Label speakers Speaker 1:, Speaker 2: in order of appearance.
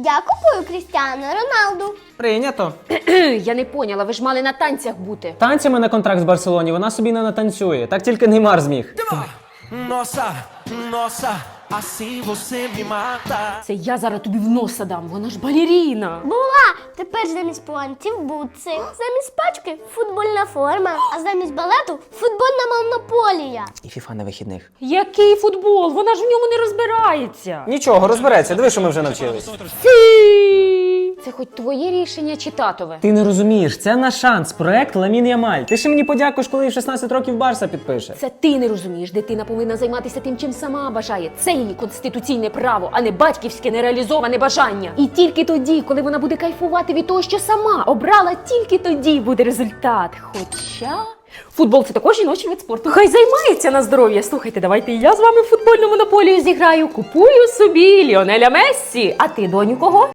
Speaker 1: Я купую Крістіану Роналду.
Speaker 2: Прийнято.
Speaker 3: Я не поняла, ви ж мали на танцях бути.
Speaker 2: Танцями на контракт з Барселоні вона собі не натанцює. Так тільки Неймар зміг.
Speaker 4: Nossa, nossa, assim você me mata.
Speaker 3: Це я зараз тобі в носа дам, вона ж балеріна.
Speaker 1: Була! Тепер замість пуантів бутси, замість пачки футбольна форма, а замість балету футбольна монополія.
Speaker 2: І фіфа на вихідних.
Speaker 3: Який футбол? Вона ж в ньому не розбирається.
Speaker 2: Нічого, розбереться. Диви, що ми вже навчились.
Speaker 3: Це хоч твоє рішення чи татове?
Speaker 2: Ти не розумієш, це наш шанс. Проект Ламін Ямаль. Ти ще мені подякуєш, коли в 16 років Барса підпише.
Speaker 3: Це ти не розумієш. Дитина повинна займатися тим, чим сама бажає. Це її конституційне право, а не батьківське нереалізоване бажання. І тільки тоді, коли вона буде кайфувати від того, що сама обрала, тільки тоді буде результат. Хоча... Футбол – це також жіночий вид спорту. Хай займається на здоров'я. Слухайте, давайте і я з вами в футбольну монополію зіграю. Купую собі Ліонеля Мессі. А ти, доню, кого?